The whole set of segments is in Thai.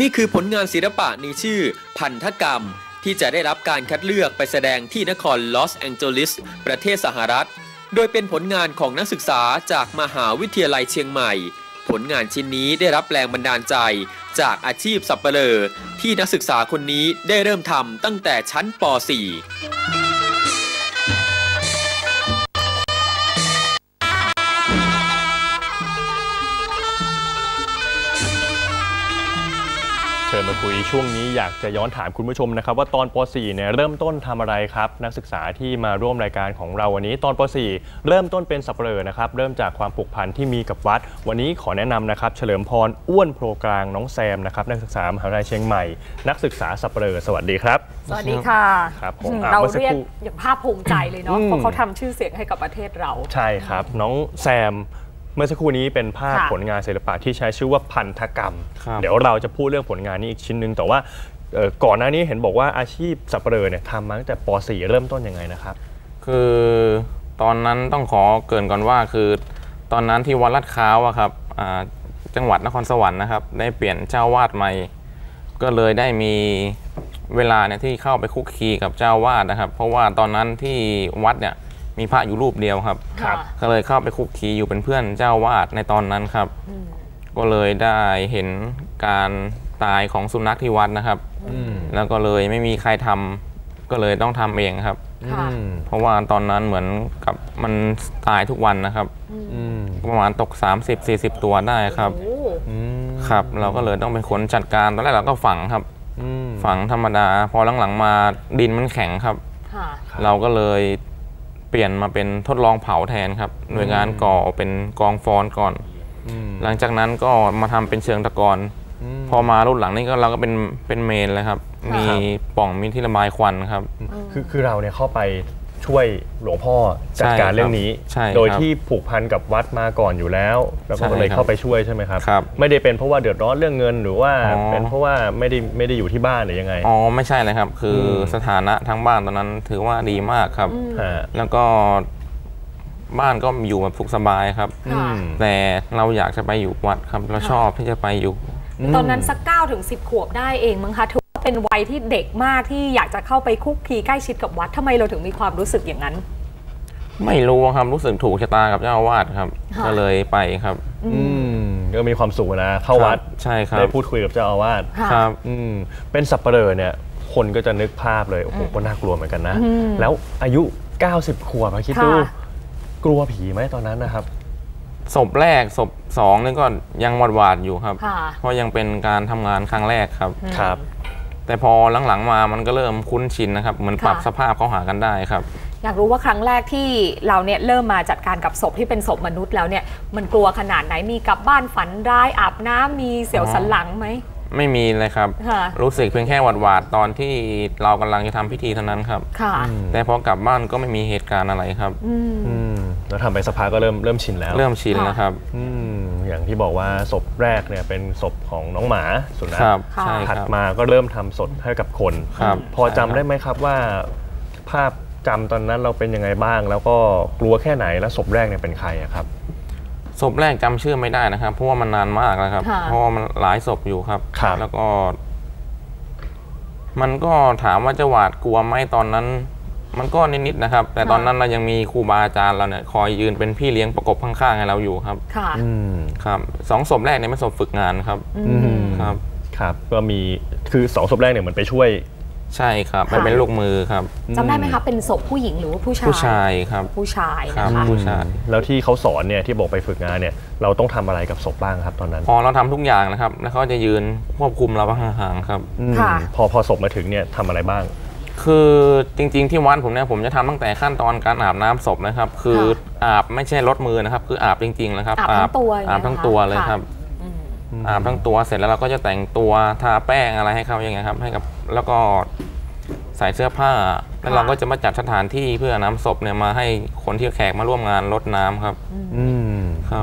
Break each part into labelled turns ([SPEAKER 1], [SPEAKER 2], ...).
[SPEAKER 1] นี่คือผลงานศิลปะในชื่อพันธกรรมที่จะได้รับการคัดเลือกไปแสดงที่นครลอสแองเจลิสประเทศสหรัฐโดยเป็นผลงานของนักศึกษาจากมหาวิทยาลัยเชียงใหม่ผลงานชิ้นนี้ได้รับแรงบันดาลใจจากอาชีพสับปะเหร่อที่นักศึกษาคนนี้ได้เริ่มทำตั้งแต่ชั้นป .4
[SPEAKER 2] เชิญมาคุยช่วงนี้อยากจะย้อนถามคุณผู้ชมนะครับว่าตอนป .4 เนี่ยเริ่มต้นทำอะไรครับนักศึกษาที่มาร่วมรายการของเราวันนี้ตอนป .4 เริ่มต้นเป็นสับปะเหร่อนะครับเริ่มจากความผูกพันที่มีกับวัดวันนี้ขอแนะนำนะครับเฉลิมพรอ้วนโพรกลางน้องแซมนะครับนักศึกษามหาวิทยาลัยเชียงใหม่นักศึกษาสับปะเหร่อสวัสดีครับ
[SPEAKER 3] สวัสดีค่ะ
[SPEAKER 2] ครับ
[SPEAKER 3] เราเรียกอย่างภาคภูมิใจเลยเนาะเพราะเขาทำชื่อเสียงให้กับประเทศเรา
[SPEAKER 2] ใช่ครับน้องแซมเมื่อสักครู่นี้เป็นภาพผลงานศิลปะที่ใช้ชื่อว่าพันธกรรมเดี๋ยวเราจะพูดเรื่องผลงานนี้อีกชิ้นนึงแต่ว่าก่อนหน้านี้เห็นบอกว่าอาชีพสับปะเหร่อเนี่ยทำมาตั้งแต่ป .4 เริ่มต้นยังไงนะครับ
[SPEAKER 4] คือตอนนั้นต้องขอเกริ่นก่อนว่าคือตอนนั้นที่วัดลาดพร้าวอะครับจังหวัดนครสวรรค์นะครับได้เปลี่ยนเจ้าวาดใหม่ก็เลยได้มีเวลาเนี่ยที่เข้าไปคุกคีกับเจ้าวาดนะครับเพราะว่าตอนนั้นที่วัดเนี่ยมีพระอยู่รูปเดียวครับก็เลยเข้าไปคุกคีอยู่เป็นเพื่อนเจ้าวาดในตอนนั้นครับก็เลยได้เห็นการตายของสุนัขที่วัดนะครับแล้วก็เลยไม่มีใครทำก็เลยต้องทำเองครับเพราะว่าตอนนั้นเหมือนกับมันตายทุกวันนะครับประมาณตก30-40 ตัวได้ครับครับเราก็เลยต้องเป็นคนจัดการตอนแรกเราก็ฝังครับฝังธรรมดาพอหลังๆมาดินมันแข็งครับเราก็เลยเปลี่ยนมาเป็นทดลองเผาแทนครับโดยการก่อเป็นกองฟอนก่อนหลังจากนั้นก็มาทำเป็นเชิงตะกอนพอมารุ่นหลังนี่ก็เราก็เป็นเมนเลยครับมีปล่องมีที่ระบายควันครับ
[SPEAKER 2] คือเราเนี่ยเข้าไปช่วยหลวงพ่อจัดการเรื่องนี้โดยที่ผูกพันกับวัดมาก่อนอยู่แล้วแล้วก็เลยเข้าไปช่วยใช่ไหมครับไม่ได้เป็นเพราะว่าเดือดร้อนเรื่องเงินหรือว่าเป็นเพราะว่าไม่ได้อยู่ที่บ้านหรือยังไง
[SPEAKER 4] อ๋อไม่ใช่เลยครับคือสถานะทั้งบ้านตอนนั้นถือว่าดีมากครับแล้วก็บ้านก็อยู่แบบสุขสบายครับแต่เราอยากจะไปอยู่วัดครับเราชอบที่จะไปอยู่
[SPEAKER 3] ตอนนั้นสัก9-10 ขวบได้เองมั้งคะถือว่าเป็นวัยที่เด็กมากที่อยากจะเข้าไปคุกคีใกล้ชิดกับวัดทำไมเราถึงมีความรู้สึกอย่างนั้น
[SPEAKER 4] ไม่รู้ครับรู้สึกถูกชะตากับเจ้าอาวาสครับก็เลยไปครับ
[SPEAKER 2] ก็มีความสุขนะเข้าวัด
[SPEAKER 4] ใช่ครับ
[SPEAKER 2] ได้พูดคุยกับเจ้าอาวาส
[SPEAKER 4] ครับ
[SPEAKER 2] เป็นสับปะเหร่อเนี่ยคนก็จะนึกภาพเลยโอ้โหก็น่ากลัวเหมือนกันนะแล้วอายุ90 ขวบคิดดูกลัวผีไหมตอนนั้นนะครับ
[SPEAKER 4] ศพแรกศพ2นี่ก็ยังหวาดอยู่ครับเพราะยังเป็นการทำงานครั้งแรกครับแต่พอหลังๆมามันก็เริ่มคุ้นชินนะครับเหมือนปรับสภาพเข้าหากันได้ครับ
[SPEAKER 3] อยากรู้ว่าครั้งแรกที่เราเนี่ยเริ่มมาจัดการกับศพที่เป็นศพมนุษย์แล้วเนี่ยมันกลัวขนาดไหนมีกลับบ้านฝันร้ายอาบน้ำมีเสียวสันหลังไหม
[SPEAKER 4] ไม่มีเลยครับรู้สึกเพียงแค่หวาดตอนที่เรากำลังจะทำพิธีเท่านั้นครับแต่พอกลับบ้านก็ไม่มีเหตุการณ์อะไรครับ
[SPEAKER 2] แล้วทำไปสักพักก็เริ่มชินแล้ว
[SPEAKER 4] เริ่มชินแล้วครับ
[SPEAKER 2] อย่างที่บอกว่าศพแรกเนี่ยเป็นศพของน้องหมาสุนัขถัดมาก็เริ่มทำศพให้กับคนพอจำได้ไหมครับว่าภาพจำตอนนั้นเราเป็นยังไงบ้างแล้วก็กลัวแค่ไหนแล้วศพแรกเนี่ยเป็นใครครับ
[SPEAKER 4] ศพแรกจำชื่อไม่ได้นะครับเพราะว่ามันนานมากแล้วครับเพราะว่ามันหลายศพอยู่ครับแล้วก็มันก็ถามว่าจะหวาดกลัวไหมตอนนั้นมันก็นิดๆนะครับแต่ตอนนั้นเรายังมีครูบาอาจารย์เราเนี่ยคอยยืนเป็นพี่เลี้ยงประกบข้างๆให้เราอยู่ครับครับ2 ศพแรกเนี่ยเป็นศพฝึกงานครับ
[SPEAKER 2] ครับก็มีคือ2 ศพแรกเนี่ยมันไปช่วย
[SPEAKER 4] ใช่ครับมันเป็นลูกมือครับ
[SPEAKER 3] จำได้ไหมคะเป็นศพผู้หญิงหรือว่าผู้ชาย
[SPEAKER 4] ผู้ชายครับ
[SPEAKER 3] ผู้ชายนะคะ
[SPEAKER 4] ผู้ชาย
[SPEAKER 2] แล้วที่เขาสอนเนี่ยที่บอกไปฝึกงานเนี่ยเราต้องทำอะไรกับศพบ้างครับตอนนั้น
[SPEAKER 4] เราทำทุกอย่างนะครับแล้วเขาจะยืนควบคุมเราห่างๆครับ
[SPEAKER 2] พอศพมาถึงเนี่ยทำอะไรบ้าง
[SPEAKER 4] คือจริงๆที่วัดผมเนี่ยผมจะทำตั้งแต่ขั้นตอนการอาบน้ำศพนะครับคืออาบไม่ใช่ลดมือนะครับคืออาบจริงๆนะครับ
[SPEAKER 3] อาบทั้ง
[SPEAKER 4] ตัวเลยครับอาบทั้งตัวเสร็จแล้วเราก็จะแต่งตัวทาแป้งอะไรให้เขาอย่างเงี้ยครับให้กับแล้วก็ใส่เสื้อผ้าแล้วเราก็จะมาจัดสถานที่เพื่อนำศพเนี่ยมาให้คนที่แขกมาร่วมงานรดน้ำครับ
[SPEAKER 2] ครับ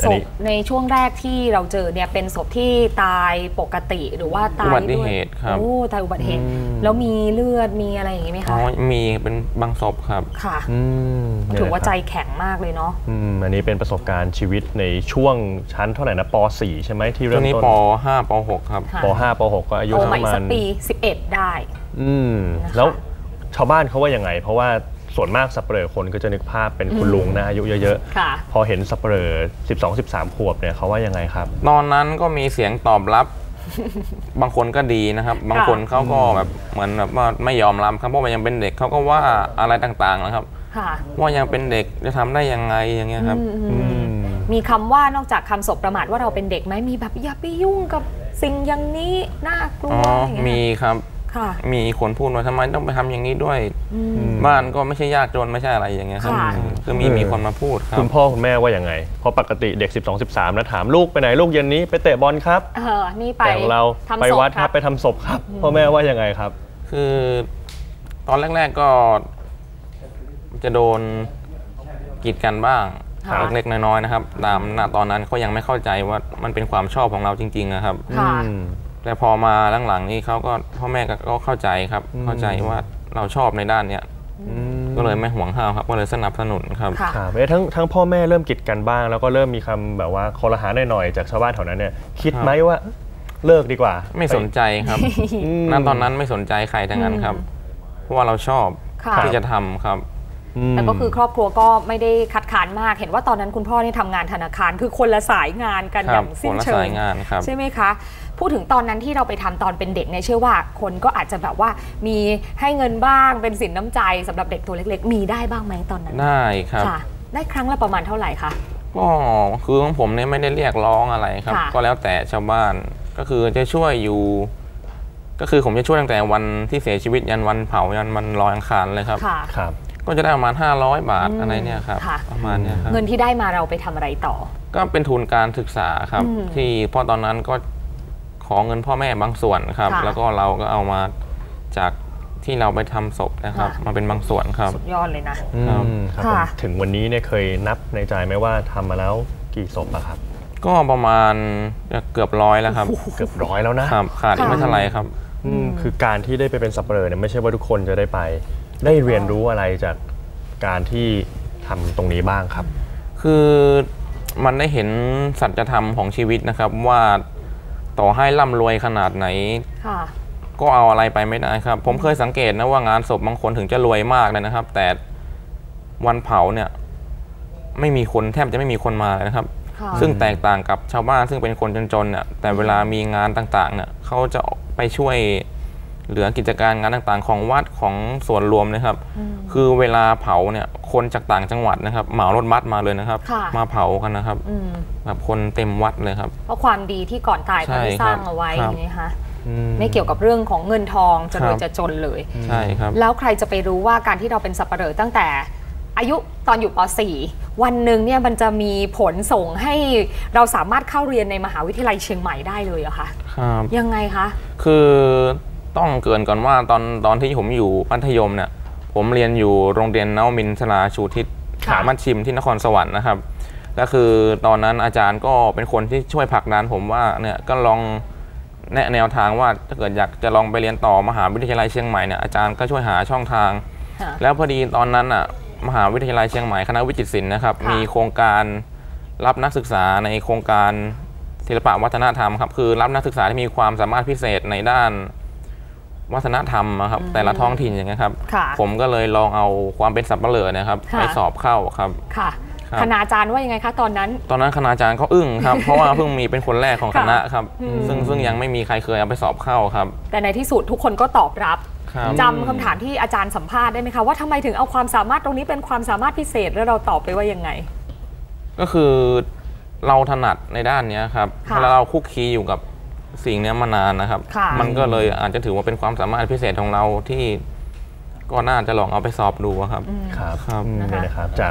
[SPEAKER 3] ศพในช่วงแรกที่เราเจอเนี่ยเป็นศพที่ตายปกติหรือว่าตาย
[SPEAKER 4] อุบัติเหตุครับ
[SPEAKER 3] โอ้ตายอุบัติเหตุแล้วมีเลือดมีอะไรอย่างนี้ไหมคะ
[SPEAKER 4] มีเป็นบางศพครับ
[SPEAKER 3] ค่ะถือว่าใจแข็งมากเลยเนาะ
[SPEAKER 2] อันนี้เป็นประสบการณ์ชีวิตในช่วงชั้นเท่าไหร่นะป .4 ใช่ไหมที่เริ่มต้น
[SPEAKER 4] นี้ป .5 ป .6 ครับ
[SPEAKER 2] ป .5 ป .6 ก็อายุประมาณ
[SPEAKER 3] ปี11ได้
[SPEAKER 2] แล้วชาวบ้านเขาว่ายังไงเพราะว่าส่วนมากสัปเหร่อคนก็จะนึกภาพเป็นคุณลุงนะอายุเยอะๆพอเห็นสัปเหร่อ12-13 ขวบเนี่ยเขาว่ายังไงครับ
[SPEAKER 4] ตอนนั้นก็มีเสียงตอบรับบางคนก็ดีนะครับบางคนเขาก็แบบเหมือนแบบว่าไม่ยอมรับครับเพราะว่ายังเป็นเด็กเขาก็ว่าอะไรต่างๆนะครับว่ายังเป็นเด็กจะทำได้ยังไงอย่างเงี้ยครับ
[SPEAKER 3] มีคำว่านอกจากคำสบประมาทว่าเราเป็นเด็กไหมมีแบบอย่าไปยุ่งกับสิ่งอย่างนี้น่ากลัว
[SPEAKER 4] มีครับมีคนพูดว่าทำไมต้องไปทำอย่างนี้ด้วยบ้านก็ไม่ใช่ยากจนไม่ใช่อะไรอย่างเงี้ยครับคือมีคนมาพูดครับ
[SPEAKER 2] คุณพ่อคุณแม่ว่ายังไงเพราะปกติเด็ก12-13แล้วถามลูกไปไหนลูกเย็นนี้ไปเตะบอลครับ
[SPEAKER 3] นี่ไป
[SPEAKER 2] ของเราไปวัดครับไปทำศพครับพ่อแม่ว่ายังไงครับ
[SPEAKER 4] คือตอนแรกๆก็จะโดนกีดกันบ้างเล็กๆน้อยๆนะครับตามตอนนั้นเขายังไม่เข้าใจว่ามันเป็นความชอบของเราจริงๆนะครับแต่พอมาหลังๆนี้เขาก็พ่อแม่ก็เข้าใจครับเข้าใจว่าเราชอบในด้านเนี้ยก็เลยไม่ห่วงห้ามครับก็เลยสนับสนุนครับ
[SPEAKER 2] ทั้งพ่อแม่เริ่มกีดกันบ้างแล้วก็เริ่มมีคำแบบว่าคอรหาหน่อยๆจากชาวบ้านแถวนั้นเนี่ยคิดไหมว่าเลิกดีกว่า
[SPEAKER 4] ไม่สนใจครับณตอนนั้นไม่สนใจใครทั้งนั้นครับเพราะว่าเราชอบที่จะทำครับ
[SPEAKER 3] แต่ก็คือครอบครัวก็ไม่ได้คัดค้านมากเห็นว่าตอนนั้นคุณพ่อนี่ทำงานธนาคารคือคนละสายงานกันอย่างสิ้นเชิงใช่ไหมคะพูดถึงตอนนั้นที่เราไปทำตอนเป็นเด็กเนี่ยเชื่อว่าคนก็อาจจะแบบว่ามีให้เงินบ้างเป็นสินน้ำใจสำหรับเด็กตัวเล็กๆมีได้บ้างไหมตอนนั้น
[SPEAKER 4] ได้ครับ
[SPEAKER 3] ได้ครั้งละประมาณเท่าไหร่คะ
[SPEAKER 4] ก็คือของผมเนี่ยไม่ได้เรียกร้องอะไรครับก็แล้วแต่ชาวบ้านก็คือจะช่วยอยู่ก็คือผมจะช่วยตั้งแต่วันที่เสียชีวิตยันวันเผายันวันลอยอังคารเลยครับก็จะได้ประมาณ500 บาทอะไรเนี่ยครับประมาณนี้ครับ
[SPEAKER 3] เงินที่ได้มาเราไปทำอะไรต่อ
[SPEAKER 4] ก็เป็นทุนการศึกษาครับที่พอตอนนั้นก็ขอเงินพ่อแม่บางส่วนครับแล้วก็เราก็เอามาจากที่เราไปทำศพนะครับมาเป็นบางส่วนครับ
[SPEAKER 3] สุดยอดเลยนะ
[SPEAKER 2] ถึงวันนี้เนี่ยเคยนับในใจไหมว่าทำมาแล้วกี่ศพอะครับ
[SPEAKER 4] ก็ประมาณเกือบ100แล้วครับ
[SPEAKER 2] เกือบ100แล้วนะครับ
[SPEAKER 4] ขาดอีกไม่เท่าไหร่ครับ
[SPEAKER 2] คือการที่ได้ไปเป็นสัปเหร่อเนี่ยไม่ใช่ว่าทุกคนจะได้ไปได้เรียนรู้อะไรจากการที่ทำตรงนี้บ้างครับ
[SPEAKER 4] คือมันได้เห็นสัจธรรมของชีวิตนะครับว่าต่อให้ร่ำรวยขนาดไหนก็เอาอะไรไปไม่ได้ครับผมเคยสังเกตนะว่างานศพบางคนถึงจะรวยมากเลยนะครับแต่วันเผาเนี่ยไม่มีคนแทบจะไม่มีคนมาเลยนะครับซึ่งแตกต่างกับชาวบ้านซึ่งเป็นคนจนๆเนี่ยแต่เวลามีงานต่างๆเนี่ยเขาจะไปช่วยเหลือกิจการงานต่างๆของวัดของส่วนรวมนะครับคือเวลาเผาเนี่ยคนจากต่างจังหวัดนะครับเหมารถบัสมาเลยนะครับมาเผากันนะครับแบบคนเต็มวัดเลยครับ
[SPEAKER 3] เพราะความดีที่ก่อนตายเขาได้สร้างเอาไว้นะคะไม่เกี่ยวกับเรื่องของเงินทองจะรวยจะจนเลย
[SPEAKER 4] ใช่ครับ
[SPEAKER 3] แล้วใครจะไปรู้ว่าการที่เราเป็นสัปเหร่อตั้งแต่อายุตอนอยู่ป .4 วันหนึ่งเนี่ยมันจะมีผลส่งให้เราสามารถเข้าเรียนในมหาวิทยาลัยเชียงใหม่ได้เลยอะคะยังไงคะ
[SPEAKER 4] คือต้องเกริ่นก่อนว่าตอนที่ผมอยู่มัธยมเนี่ยผมเรียนอยู่โรงเรียนนวมินทราชูทิศมัชชิมที่นครสวรรค์นะครับและคือตอนนั้นอาจารย์ก็เป็นคนที่ช่วยผลักดันผมว่าเนี่ยก็ลองแนวทางว่าถ้าเกิดอยากจะลองไปเรียนต่อมหาวิทยาลัยเชียงใหม่เนี่ยอาจารย์ก็ช่วยหาช่องทางแล้วพอดีตอนนั้นอ่ะมหาวิทยาลัยเชียงใหม่คณะวิจิตรศิลป์นะครับมีโครงการรับนักศึกษาในโครงการศิลปวัฒนธรรมครับคือรับนักศึกษาที่มีความสามารถพิเศษในด้านวัฒนธรรมครับแต่ละท้องถิ่นอย่างเงี้ยครับผมก็เลยลองเอาความเป็นสับปะเหร่อนะครับไปสอบเข้าครับ
[SPEAKER 3] คณาจารย์ว่ายังไงคะตอนนั้น
[SPEAKER 4] คณาจารย์เขาอึ้งครับเพราะว่าเพิ่งมีเป็นคนแรกของคณะครับซึ่งยังไม่มีใครเคยเอาไปสอบเข้าครับ
[SPEAKER 3] แต่ในที่สุดทุกคนก็ตอบรับจำคำถามที่อาจารย์สัมภาษณ์ได้ไหมคะว่าทำไมถึงเอาความสามารถตรงนี้เป็นความสามารถพิเศษแล้วเราตอบไปว่ายังไง
[SPEAKER 4] ก็คือเราถนัดในด้านนี้ครับแล้วเราคุกคีอยู่กับสิ่งนี้มานานนะครับมันก็เลยอาจจะถือว่าเป็นความสามารถพิเศษของเราที่ก็น่าจะลองเอาไปสอบดูครับ
[SPEAKER 2] ครับนี่นะครับจากค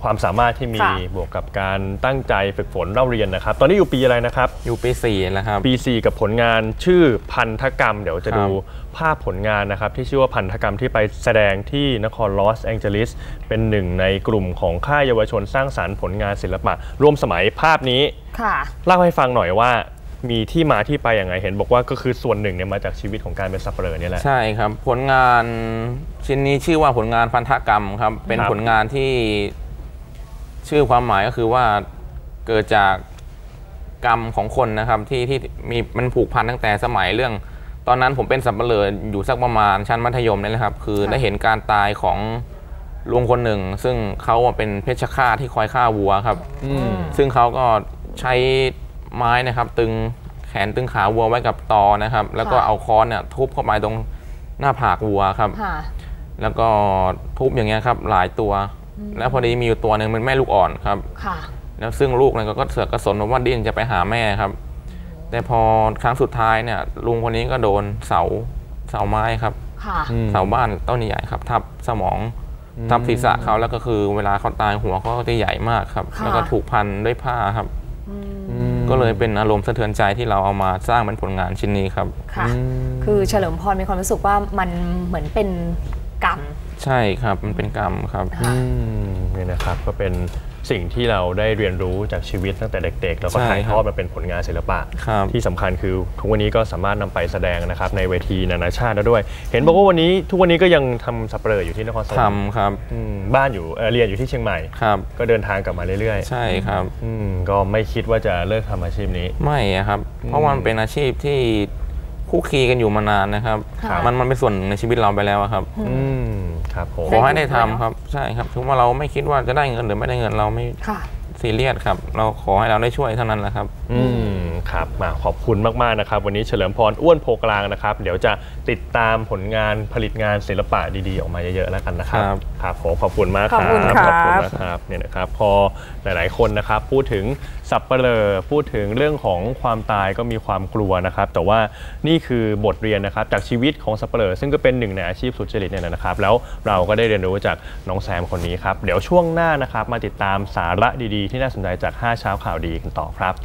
[SPEAKER 2] ความสามารถที่มีบวกกับการตั้งใจฝึกฝนเล่าเรียนนะครับตอนนี้อยู่ปีอะไรนะครับ
[SPEAKER 4] อยู่ปี4แล้วครับ
[SPEAKER 2] ปี4กับผลงานชื่อพันธกรรมเดี๋ยวจะดูภาพผลงานนะครับที่ชื่อว่าพันธกรรมที่ไปแสดงที่นครลอสแองเจลิสเป็นหนึ่งในกลุ่มของค่ายเยาวชนสร้างสรรค์ผลงานศิลปะร่วมสมัยภาพนี้เล่าให้ฟังหน่อยว่ามีที่มาที่ไปอย่างไรเห็นบอกว่าก็คือส่วนหนึ่งเนี่ยมาจากชีวิตของการเป็นสับเปลือนี่แหละ
[SPEAKER 4] ใช่ครับผลงานชิ้นนี้ชื่อว่าผลงานพันธกรรมครับเป็นผลงานที่ชื่อความหมายก็คือว่าเกิดจากกรรมของคนนะครับที่มีมันผูกพันตั้งแต่สมัยเรื่องตอนนั้นผมเป็นสับเปลืออยู่สักประมาณชั้นมัธยมนี่แหละครับคือได้เห็นการตายของลุงคนหนึ่งซึ่งเขาเป็นเพชฌฆาตที่คอยฆ่าวัวครับซึ่งเขาก็ใช้ไม้นะครับตึงแขนตึงขาวัวไว้กับตอนะครับแล้วก็เอาค้อนเนี่ยทุบเข้าไปตรงหน้าผากวัวครับแล้วก็ทุบอย่างเงี้ยครับหลายตัวแล้วพอดีมีอยู่ตัวหนึ่งเป็นแม่ลูกอ่อนครับแล้วซึ่งลูกเนี่ยก็เสือกกระสนว่าดิ้นจะไปหาแม่ครับแต่พอครั้งสุดท้ายเนี่ยลุงคนนี้ก็โดนเสาไม้ครับเสาบ้านต้นใหญ่ครับทับสมองทับศีรษะเขาแล้วก็คือเวลาเขาตายหัวเขาก็จะใหญ่มากครับแล้วก็ถูกพันด้วยผ้าครับก็เลยเป็นอารมณ์สะเทือนใจที่เราเอามาสร้างเป็นผลงานชิ้นนี้ครับ
[SPEAKER 3] ค่ะคือเฉลิมพรมีความรู้สึกว่ามันเหมือนเป็นกรรม
[SPEAKER 4] ใช่ครับมันเป็นกรรมครับ
[SPEAKER 2] นี่นะครับก็เป็นสิ่งที่เราได้เรียนรู้จากชีวิตตั้งแต่เด็กๆแล้วก็ถ่ายทอดมาเป็นผลงานศิลปะที่สำคัญคือทุกวันนี้ก็สามารถนำไปแสดงนะครับในเวทีนานาชาติแล้วด้วยเห็นบอกว่าทุกวันนี้ก็ยังทำสับเปลืออยู่ที่นครสวรรค์
[SPEAKER 4] ทำครับ
[SPEAKER 2] บ้านอยู่เรียนอยู่ที่เชียงใหม่ก็เดินทางกลับมาเรื่อย
[SPEAKER 4] ๆใช่ครับ
[SPEAKER 2] ก็ไม่คิดว่าจะเลิกทำอาชีพนี้
[SPEAKER 4] ไม่ครับเพราะมันเป็นอาชีพที่คู่คีกันอยู่มานานนะครับมันเป็นส่วนในชีวิตเราไปแล้วครับ
[SPEAKER 2] ครับผม
[SPEAKER 4] ขอให้ได้ทำครับใช่ครับถึงว่าเราไม่คิดว่าจะได้เงินหรือไม่ได้เงินเราไม่ซีเรียสครับเราขอให้เราได้ช่วยเท่านั้นแหละครับ
[SPEAKER 2] ครับมาขอบคุณมากๆนะครับวันนี้เฉลิมพรอ้วนโพกลางนะครับเดี๋ยวจะติดตามผลงานผลิตงานศิลปะดีๆออกมาเยอะๆแล้วกันนะครับครับขอบคุณมากครับ
[SPEAKER 3] ขอบคุณ
[SPEAKER 2] นะครับเนี่ยนะครับพอหลายๆคนนะครับพูดถึงสับเปลือพูดถึงเรื่องของความตายก็มีความกลัวนะครับแต่ว่านี่คือบทเรียนนะครับจากชีวิตของสับเปลือซึ่งก็เป็นหนึ่งในอาชีพสุจริตเนี่ยนะครับแล้วเราก็ได้เรียนรู้จากน้องแซมคนนี้ครับเดี๋ยวช่วงหน้านะครับมาติดตามสาระดีๆที่น่าสนใจจาก5เช้าข่าวดีกันต่อครับ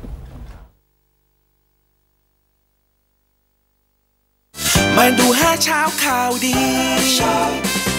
[SPEAKER 5] มาดู5เช้าข่าวดี